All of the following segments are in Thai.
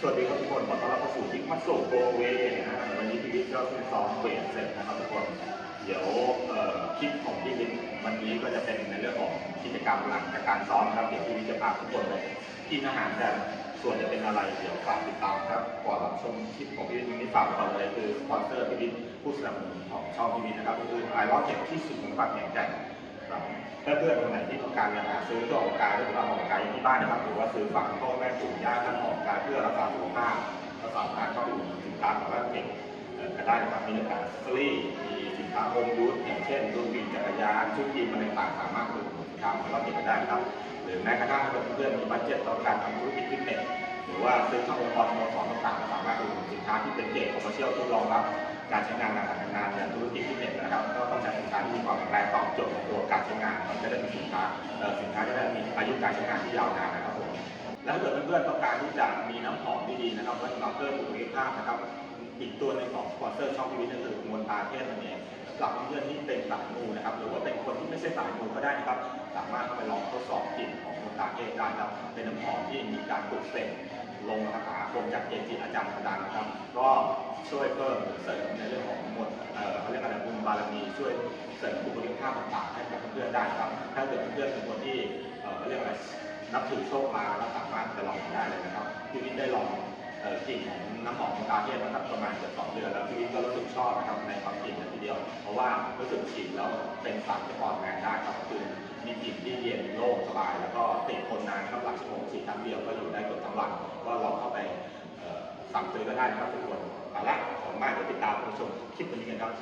สวัสดีครับทุกคนขอต้อนรับเข้าสู่ทิกมัสโซโกเวนะฮะวันนี้พี่วิทย์ก็คือซ้อมเวทเสร็จนะครับทุกคนเดี๋ยวคลิปของพี่วิทย์วันนี้ก็จะเป็นในเรื่องของกิจกรรมหลังจากการซ้อมครับเดี๋ยวพี่วิทย์จะพาทุกคนไปกินอาหารกันส่วนจะเป็นอะไรเดี๋ยวฝากติดตามครับก่อนรับชมคลิปของพี่วิทย์นี้ฝากก่อนเลยคือสปอนเซอร์พี่วิทย์ผู้สนับสนุนของช่องพี่วิทย์นะครับก็คือไอรอนเก็บที่สุดของฝากแห่งใจเพื่อนๆคนไหนที่ต้องการจะหาซื้อตัวออกกายหรือว่าออกกายที่บ้านนะครับหรือว่าซื้อฝากพ่อแม่ปู่ย่าท่านออกกายเพื่อรักษาสุขภาพก็สามารถเข้าไปดูสินค้าของร้านเก็บก็ได้นะครับมีเนื้อหาสตรีมีสินค้าโฮมยูสอย่างเช่นรุ่นบินจักรยานชุดยีนอะไรต่างๆสามารถดูสินค้าของร้านเก็บได้ครับหรือแม้กระทั่งเพื่อนๆมีบัตเจ็ตต้องการทำธุรกิจฟิตเนสหรือว่าซื้อเข้าองค์กรสโมสรต่างๆสามารถดูสินค้าที่เป็นเกรดคอมเมอร์เชียลที่รองรับการใช้งานการทำงานอย่างธุรกิจฟิตเนสนะครับก็ต้องใช้สินค้าที่มีความแข็งแรงตอบโจทย์ตัวการใช้งานมันจะได้มีสินค้าจะได้มีอายุการใช้งานที่ยาวนานนะครับผมแล้วถ้าเกิดเพื่อนๆต้องการที่จะมีน้ำหอมดีๆนะครับไว้สำหรับเพิ่มบุคลิกภาพนะครับอีกตัวหนึ่งของสปอนเซอร์ช่องพีวีนั่นคือมนตาเทศนั่นเองสำหรับเพื่อนๆที่เป็นสายมูนะครับหรือว่าเป็นคนที่ไม่ใช่สายมูก็ได้นะครับสามารถเข้าไปลองทดสอบกลิ่นของมนตาเทศได้ครับเป็นน้ำหอมที่มีการปลุกเสกลงคาถาคมจากเกจิอาจารย์ดังๆนะครับก็ช่วยเพิ่มเสริมในเรื่องของมนเขาเรียกอะไรบุญบารมีช่วยเสริมบุคลิกภาพต่างๆให้กับเพื่อนๆได้ครับถ้าเกิดเพื่อนๆเป็นคนที่เขาเรียกอะไรนับถือโชคลาภแล้วสามารถจะลองได้เลยนะครับพี่วิทย์ได้ลองกลิ่นของน้ำหอมของตาเทพนะครับประมาณเกือบ2 เดือนแล้วพี่วิทย์ก็รู้สึกชอบนะครับในความกลิ่นทีเดียวเพราะว่ารู้สึกฉีดแล้วเป็นสารที่ปลอดแมนได้ครับคือมีกลิ่นที่เย็นโล่งสบายแล้วก็ติดทนนานครับหลักชั่วโมงฉีดครั้งเดียวก็อยู่ได้เกือบทั้งวันก็ลองเข้าไปสั่งซื้อก็ได้นะครับทุกคนเอาละขอบคุณมากที่ติดตามชมคลิปวันนี้กันครับ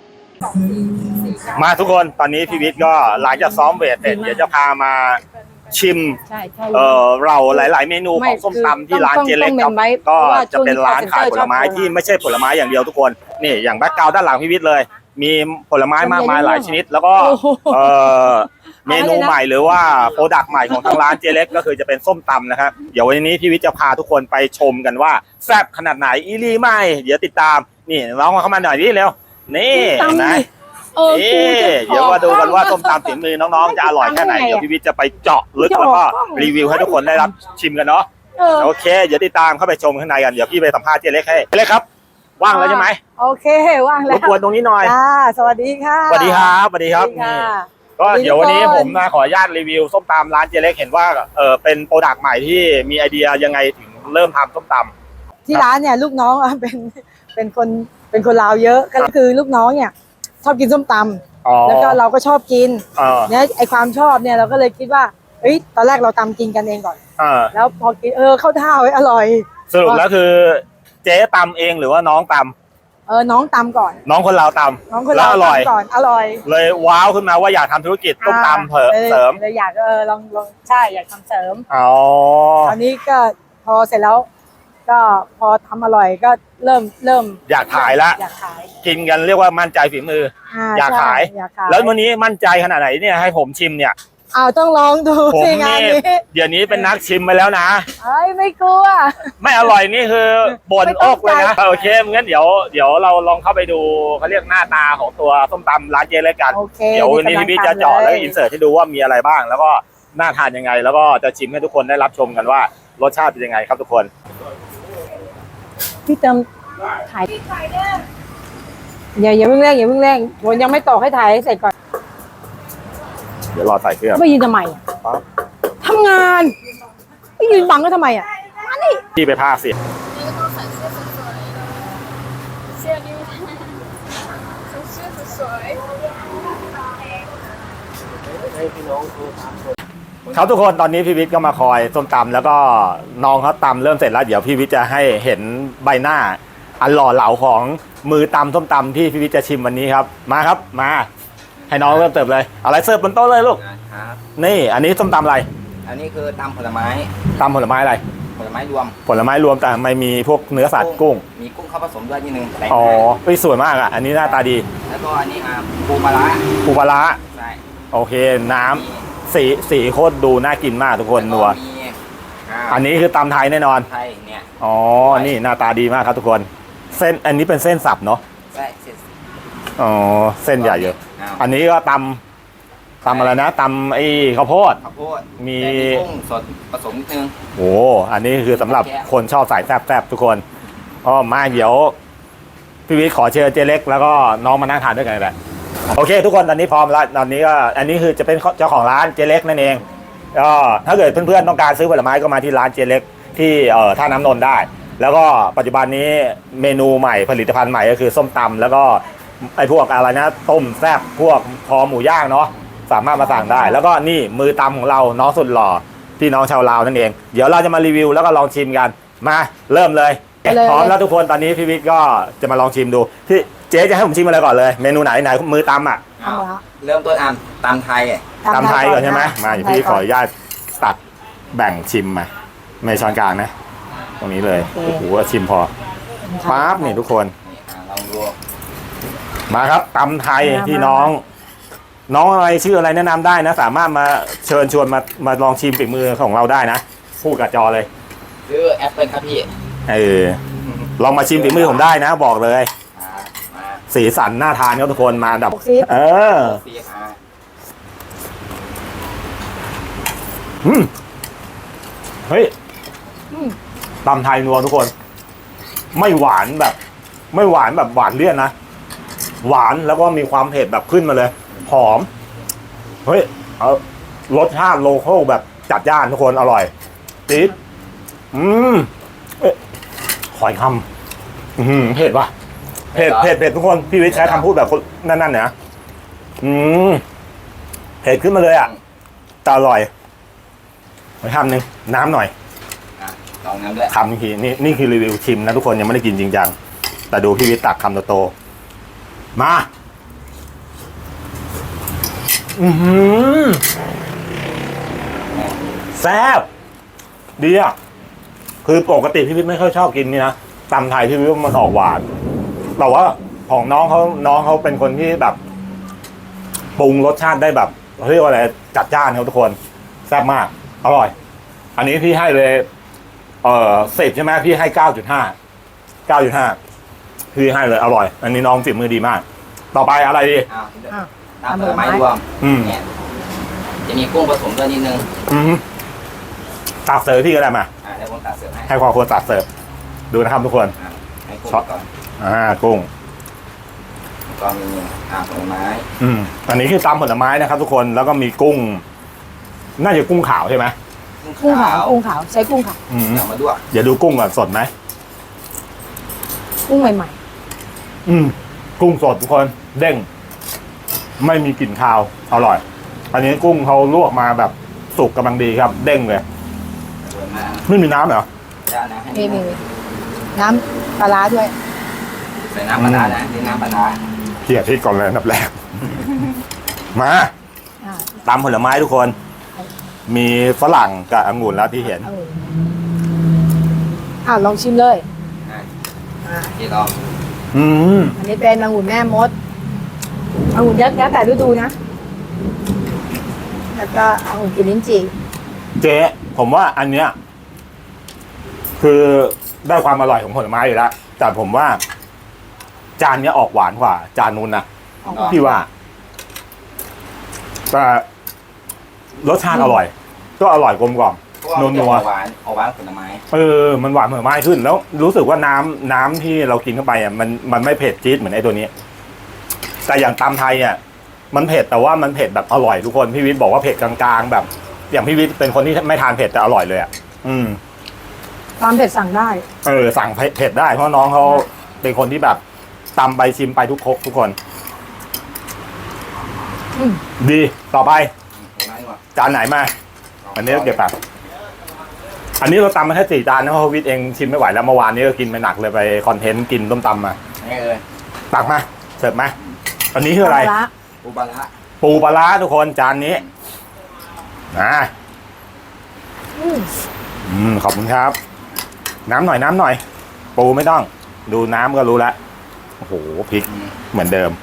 มาทุกคนตอนนี้พี่วิทย์ก็หลังจากซ้อมเวทเสร็จเดี๋ยวจะพามาชิมเราหลายๆเมนูของส้มตำที่ร้านเจเล็กครับก็จะเป็นร้านขายผลไม้ที่ไม่ใช่ผลไม้อย่างเดียวทุกคนนี่อย่างแบ็คกราวด์ด้านหลังพี่วิทย์เลยมีผลไม้มากมายหลายชนิดแล้วก็เมนูใหม่หรือว่าโปรดักต์ใหม่ของทางร้านเจเล็กก็คือจะเป็นส้มตำนะครับเดี๋ยววันนี้พี่วิทย์จะพาทุกคนไปชมกันว่าแซ่บขนาดไหนอีลี่ไม่เดี๋ยวติดตามนี่น้องเข้ามาหน่อยนี่เร็วนี่นะเดี๋ยวมาดูกันว่าส้มตำฝีมือน้องๆจะอร่อยแค่ไหนเดี๋ยวพี่วิทย์จะไปเจาะลึกแล้วก็รีวิวให้ทุกคนได้รับชิมกันเนาะโอเคเดี๋ยวติดตามเข้าไปชมข้างในกันเดี๋ยวพี่ไปสัมภาษณ์เจเล็กให้เจเล็กครับว่างแล้วใช่ไหมโอเคว่างแล้วรบกวนตรงนี้หน่อยสวัสดีค่ะสวัสดีครับสวัสดีครับนี่ก็เดี๋ยววันนี้ผมขออนุญาตรีวิวส้มตำร้านเจเล็กเห็นว่าเป็นโปรดักต์ใหม่ที่มีไอเดียยังไงถึงเริ่มทำส้มตำที่ร้านเนี่ยลูกน้องเป็นคนลาวเยอะก็คือลูกน้องเนี่ยชอบกินส้มตำแล้วก็เราก็ชอบกินเนี่ยไอความชอบเนี่ยเราก็เลยคิดว่าเฮ้ยตอนแรกเราตำกินกันเองก่อนแล้วพอกินเข้าท่าไว้อร่อยสรุปแล้วคือเจ๊ตำเองหรือว่าน้องตำน้องตำก่อนน้องคนลาวตำน้องคนลาวตำก่อนอร่อยเลยว้าวขึ้นมาว่าอยากทำธุรกิจส้มตำเสริมเลยอยากลองใช่อยากทำเสริมตอนนี้ก็พอเสร็จแล้วก็พอทำอร่อยก็เริ่มอยากขายละกินกันเรียกว่ามั่นใจฝีมืออยากขายแล้ววันนี้มั่นใจขนาดไหนเนี่ยให้ผมชิมเนี่ยต้องลองดูสิงานนี้เดี๋ยวนี้เป็นนักชิมไปแล้วนะไม่กลัวไม่อร่อยนี่คือบ่นอกเลยนะโอเคงั้นเดี๋ยวเราลองเข้าไปดูเขาเรียกหน้าตาของตัวส้มตำร้านเจเล็กกันเดี๋ยววันนี้พี่จะเจาะแล้วก็อินเสิร์ตให้ดูว่ามีอะไรบ้างแล้วก็น่าทานยังไงแล้วก็จะชิมให้ทุกคนได้รับชมกันว่ารสชาติเป็นยังไงครับทุกคนพี่เติมถ่ายอย่าเพิ่งแรงผมยังไม่ตอกให้ถ่ายให้เสร็จก่อนเดี๋ยวรอใส่เครื่องไม่ยืนทำไมทำงานไม่ยืนบังก็ทำไมมานี่พี่ไปพาเสียเขาทุกคนตอนนี้พี่วิทย์ก็มาคอยส้มตำแล้วก็น้องเขาตำเริ่มเสร็จแล้วเดี๋ยวพี่วิทย์จะให้เห็นใบหน้าอันหล่อเหลาของมือตำส้มตำที่พี่วิทย์จะชิมวันนี้ครับมาครับมาให้น้องเริ่มเติบเลยอะไรเสิร์ฟบนโต๊ะเลยลูกนี่อันนี้ส้มตำอะไรอันนี้คือตำผลไม้อะไรผลไม้รวมแต่ไม่มีพวกเนื้อสัตว์กุ้งมีกุ้งเข้าผสมด้วยนิดนึงสวยมากอันนี้หน้าตาดีแล้วก็อันนี้ปูปลาร้าใช่โอเคน้ำสีโคตรดูน่ากินมากทุกคนนัวอันนี้คือตำไทยแน่นอนไทยเนี่ยนี่หน้าตาดีมากครับทุกคนเส้นอันนี้เป็นเส้นสับเนาะใช่เส้นใหญ่เยอะอันนี้ก็ตตำอะไรนะตำไอ้ข้าวโพดข้าวโพดมีแต่กุ้งสดผสมนิดนึงโอ้อันนี้คือสำหรับคนชอบสายแซ่บๆทุกคนอ๋อมาเดี๋ยวพี่วิทย์ขอเชิญเจเล็กแล้วก็น้องมานั่งทานด้วยกันเลยแหละโอเค ทุกคนตอนนี้พร้อมแล้วตอนนี้ก็อันนี้คือจะเป็นเจ้าของร้านเจเล็กนั่นเองก็ถ้าเกิดเพื่อนๆต้องการซื้อผลไม้ก็มาที่ร้านเจเล็กที่ท่าน้ำนนท์ได้ แล้วก็ปัจจุบันนี้เมนูใหม่ผลิตภัณฑ์ใหม่ก็คือส้มตำแล้วก็ไอ้พวกอะไรนะต้มแซ่บพวกคอหมูย่างเนาะสามารถมาสั่งได้ แล้วก็นี่มือตำของเราน้องสุดหล่อพี่น้องชาวลาวนั่นเองเดี๋ยวเราจะมารีวิวแล้วก็ลองชิมกันมาเริ่มเลยพร้อมแล้วทุกคนตอนนี้พี่วิทย์ก็จะมาลองชิมดูพี่เจ๊จะให้ผมชิมอะไรก่อนเลยเมนูไหนมือตำอ่ะเอาละเริ่มต้นตำไทยตำไทยก่อนใช่ไหมมาตำทพี่ขออก่นนุญาตตัดแบ่งชิมมาไม่ช้อนกลางนะ ตรงนี้เลยโอเคโอ้โหชิมพอปั๊บนี่ทุกคนนี่ลองดูมาครับตำไทยพี่น้องอะไรชื่ออะไรแนะนำได้นะ สามารถมาเชิญชวนมาลองชิมฝีมือของเราได้นะพูดกับจอเลยซื้อแอปเปิลครับพี่ลองมาชิมฝีมือผมได้นะบอกเลยมาสีสันน่าทานครับทุกคนมาดับซิซีมาเฮ้ยตำไทยนัวทุกคน ไม่หวานแบบหวานเลี่ยนนะหวานแล้วก็มีความเผ็ดแบบขึ้นมาเลยหอมเฮ้ยรสชาติโลคอลแบบจัดจ้านทุกคนอร่อยจี๊ดขอยคำเผ็ดว่ะเผ็ดทุกคนพี่วิทย์ใช้คำพูดแบบนั่นเนี่ยเผ็ดขึ้นมาเลยอ่ะแต่อร่อยขอคำหนึ่งน้ำหน่อยลองน้ำด้วยคำทีนี่คือรีวิวชิมนะทุกคนยังไม่ได้กินจริงจังแต่ดูพี่วิทย์ตักคำโตๆมาแซ่บดีอ่ะคือปกติพี่วิทย์ไม่ค่อยชอบกินนี่นะตำไทยพี่วิทย์มันออกหวานแต่ว่าของน้องเขาเป็นคนที่แบบปรุงรสชาติได้แบบเรียกว่าอะไรจัดจ้านครับทุกคนแซ่บมากอร่อย อันนี้พี่ให้เลย10ใช่ไหมพี่ให้9.5พี่ให้เลยอร่อย อันนี้น้องฝีมือดีมาก ต่อไปอะไรดีตำผลไม้รวมเนี่ยจะมีกุ้งผสมด้วยนิดนึงตักเสิร์ฟพี่ก็ได้มาเดี๋ยวผมตัดเสิร์ฟให้ให้ความควรตักเสิร์ฟดูนะครับทุกคนให้กุ้งก่อนกุ้งก็มีผลไม้อันนี้คือตำผลไม้นะครับทุกคนแล้วก็มีกุ้ง น่าจะกุ้งขาวใช่ไหมกุ้งขาวใช้กุ้งขาวเอามาด้วยอย่าดูกุ้งก่อนสดไหมกุ้งใหม่กุ้งสดทุกคนเด้ง ไม่มีกลิ่นคาวอร่อย อันนี้กุ้งเขาลวกมาแบบสุกกำลังดีครับ เด้งเลยไม่มีน้ำเหรอๆมีน้ำปลาร้าด้วยใส่น้ำปลาร้านะนี่น้ำปลาร้าเขี่ยพริกก่อนเลยอันดับแรก มาตำผลไม้ทุกคน มีฝรั่งกับองุ่นแล้วที่เห็นลองชิมเลยที่ลองอันนี้เป็นองุ่นแม่มดองุ่นยักษ์แล้วแต่ฤดูนะแล้วก็องุ่นกินลิ้นจี่เจ๊ผมว่าอันเนี้ยคือได้ความอร่อยของผลไม้อยู่แล้วแต่ผมว่า จานเนี้ยออกหวานกว่า จานนู้นนะพี่ว่าแต่รสชาติอร่อย ก็อร่อยกลมกล่อมนัวหวานผลไม้มันหวานผลไม้ขึ้นแล้วรู้สึกว่าน้ำที่เรากินเข้าไปอ่ะมันไม่เผ็ดจี๊ดเหมือนไอ้ตัวนี้ แต่อย่างตำไทยอ่ะมันเผ็ดแต่ว่ามันเผ็ดแบบอร่อยทุกคนพี่วิทย์บอกว่าเผ็ดกลางๆแบบ อย่างพี่วิทย์เป็นคนที่ไม่ทานเผ็ดแต่อร่อยเลยอ่ะความเผ็ดสั่งได้สั่งเผ็ดได้เพราะน้องเขาเป็นคนที่แบบตำไปชิมไปทุกครกทุกคนดีต่อไปจานไหนมาอันนี้เก็บแบบอันนี้เราตำมาแค่4 จานนะเพราะวิทย์เองชิมไม่ไหวแล้วเมื่อวานนี้ก็กินไปหนักเลยไปคอนเทนต์กินต้มตำมาตักมาเสิร์ฟมาอันนี้คืออะไรปูปลาร้าทุกคนจานนี้ขอบคุณครับน้ำหน่อยปูไม่ต้องดูน้ำก็รู้แล้วโอ้โหพริกเหมือนเดิม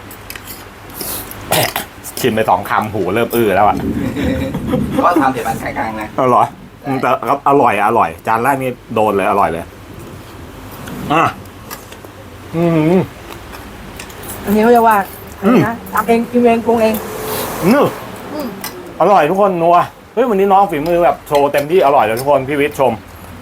ชิมไป2 คำหูเริ่มแล้วอ่ะก็ทำเผ็ดปานกลางๆนะอร่อยแต่ครับอร่อยจานแรกนี่โดนเลยอร่อยเลยอันนี้เขาเรียกว่าอะไรนะทำเองกินเองปรุงเองอร่อยทุกคนนัวเฮ้ยวันนี้น้องฝีมือแบบโชว์เต็มที่อร่อยเลยทุกคนพี่วิทย์ชม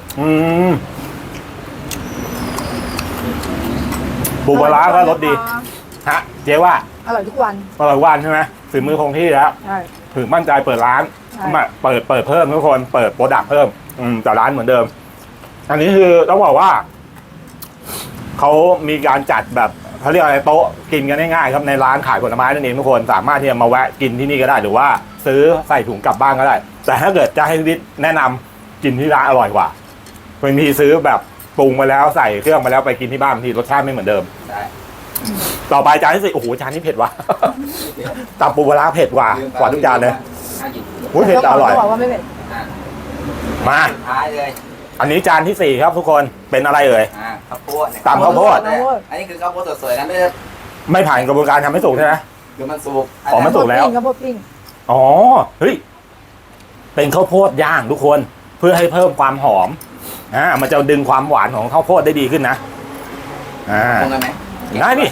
ปูปลาร้าก็รสดีฮะเจ๊ว่าอร่อยทุกวันอร่อยวันใช่ไหมฝีมือคงที่แล้วใช่ถึงมั่นใจเปิดร้านใช่มาเปิดเพิ่มทุกคนเปิดโปรดักต์เพิ่มแต่ร้านเหมือนเดิม อันนี้คือต้องบอกว่าเขามีการจัดแบบเขาเรียกอะไรโต๊ะกินกันง่ายๆครับในร้านขายผลไม้นั่นเองทุกคนสามารถที่จะมาแวะกินที่นี่ก็ได้หรือว่าซื้อใส่ถุงกลับบ้านก็ได้ แต่ถ้าเกิดจะให้วิทย์แนะนำกินที่ร้านอร่อยกว่าบางทีซื้อแบบปรุงมาแล้วใส่เครื่องมาแล้วไปกินที่บ้านบางทีรสชาติไม่เหมือนเดิมได้ต่อไปจานที่สี่โอ้โหจานนี้เผ็ดว่ะ ตำปูปลาร้าเผ็ดกว่าทุกจานเลยน่ากินโอ้ยเผ็ดแต่อร่อยต้องบอกว่าไม่เผ็ดมาสุดท้ายเลยอันนี้จานที่สี่ครับทุกคนเป็นอะไรเอ่ยข้าวโพดเนี่ยตำข้าวโพดอันนี้คือข้าวโพดสวยๆนะไม่ได้ไม่ผ่านกระบวนการทำให้สุกใช่ไหมคือมันสุกอ๋อมันสุกแล้วข้าวโพดปิ้งอ๋อเฮ้ยเป็นข้าวโพดย่างทุกคนเพื่อให้เพิ่มความหอมมันจะดึงความหวานของข้าวโพดได้ดีขึ้นนะปรุงกันไหมง่ายดิ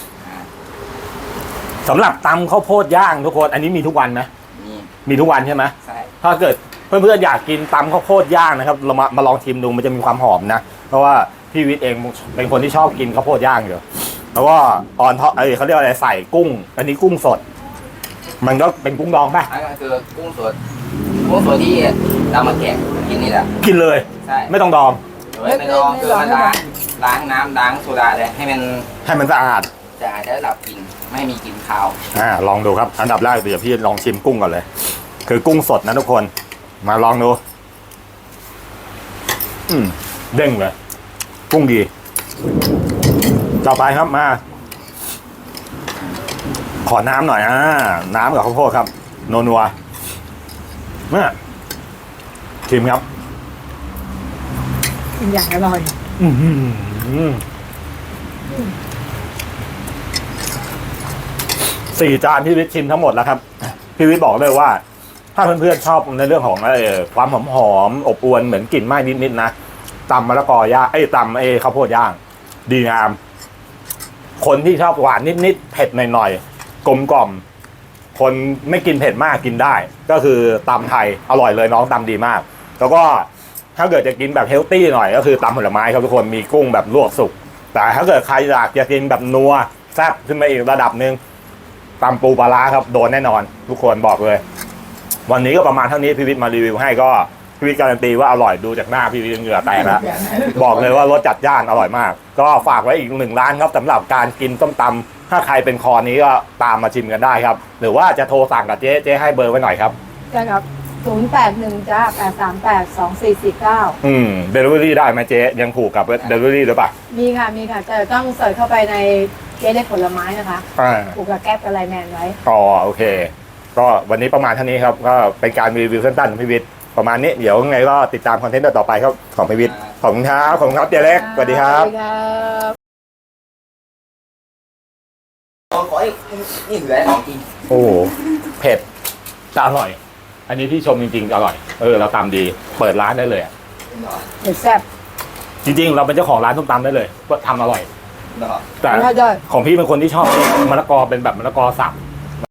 สำหรับตำข้าวโพดย่างทุกคนอันนี้มีทุกวันไหมนี่มีทุกวันใช่ไหมใช่ถ้าเกิดเพื่อนๆอยากกินตำข้าวโพดย่างนะครับเรามาลองชิมดูมันจะมีความหอมนะเพราะว่าพี่วิทย์เองเป็นคนที่ชอบกินข้าวโพดย่างอยู่แล้วก็ตอนเขาเรียกอะไรใส่กุ้ง อันนี้กุ้งสด มันก็เป็นกุ้งดองป่ะอันนี้คือกุ้งสดที่เรามาแกะกินนี่แหละกินเลยใช่ไม่ต้องดองไม่ลองคือมันล้างน้ำล้างโซดาเลยให้มันสะอาดจะอาจจะดับกลิ่นไม่ให้มีกลิ่นคาวลองดูครับอันดับแรกเดี๋ยวพี่ลองชิมกุ้งก่อนเลย คือกุ้งสดนะทุกคนมาลองดูเด้งเลยกุ้งดีต่อไปครับมาขอน้ำหน่อยน้ำกับข้าวโพดครับนัวๆเนี่ยชิมครับกินอย่างอร่อยสี่จานพี่วิทย์ชิมทั้งหมดแล้วครับพี่วิทย์บอกเลยว่า ถ้าเพื่อนๆชอบในเรื่องของความหอมอบอวลเหมือนกลิ่นไหม้นิดๆนะตำมะละกอย่างตำข้าวโพดย่างดีงามคนที่ชอบหวานนิดๆเผ็ดหน่อยๆกลมกล่อมคนไม่กินเผ็ดมากกินได้ ก็คือตำไทยอร่อยเลยน้องตำดีมาก แล้วก็ถ้าเกิดจะกินแบบเฮลตี้หน่อยก็คือตำผลไม้ครับทุกคนมีกุ้งแบบลวกสุกแต่ถ้าเกิดใครอยากจะกินแบบนัวแซ่บขึ้นมาอีกระดับหนึ่งตำปูปลาร้าครับโดนแน่นอนทุกคนบอกเลยวันนี้ก็ประมาณเท่านี้พี่วิทย์มารีวิวให้ก็พี่วิทย์การันตีว่าอร่อยดูจากหน้าพี่วิทย์เหงื่อแตกแล้วบอกเลยว่ารสจัดจ้านอร่อยมากก็ฝากไว้อีก1 ร้านครับสำหรับการกินส้มตำถ้าใครเป็นคอนี้ก็ตามมาชิมกันได้ครับหรือว่าจะโทรสั่งกับเจ๊ให้เบอร์ไว้หน่อยครับใช่ครับ081จ้า8382449 เดลิเวอรี่ได้ไหมเจ๊ยังผูกกับเดลิเวอรี่หรือเปล่ามีค่ะแต่ต้องเสิร์ชเข้าไปในเจ๊เล็กผลไม้นะคะผูกกับแก๊ปกับไลน์แมนไว้โอเคก็วันนี้ประมาณเท่านี้ครับก็เป็นการรีวิวสั้นๆของพี่วิทย์ประมาณนี้เดี๋ยวไงก็ติดตามคอนเทนต์ต่อไปครับของพี่วิทย์ขอบคุณครับเจ๊เล็กสวัสดีครับขอให้นี่เหลือของกินโอ้เผ็ดแต่อร่อย อันนี้ที่ชมจริงๆอร่อยเราตำดีเปิดร้านได้เลยเผ็ดแซ่บจริงๆเราเป็นเจ้าของร้านส้มตำได้เลยว่าทำอร่อยแต่ได้ของพี่เป็นคนที่ชอบมะละกอเป็นแบบมะละกอสับ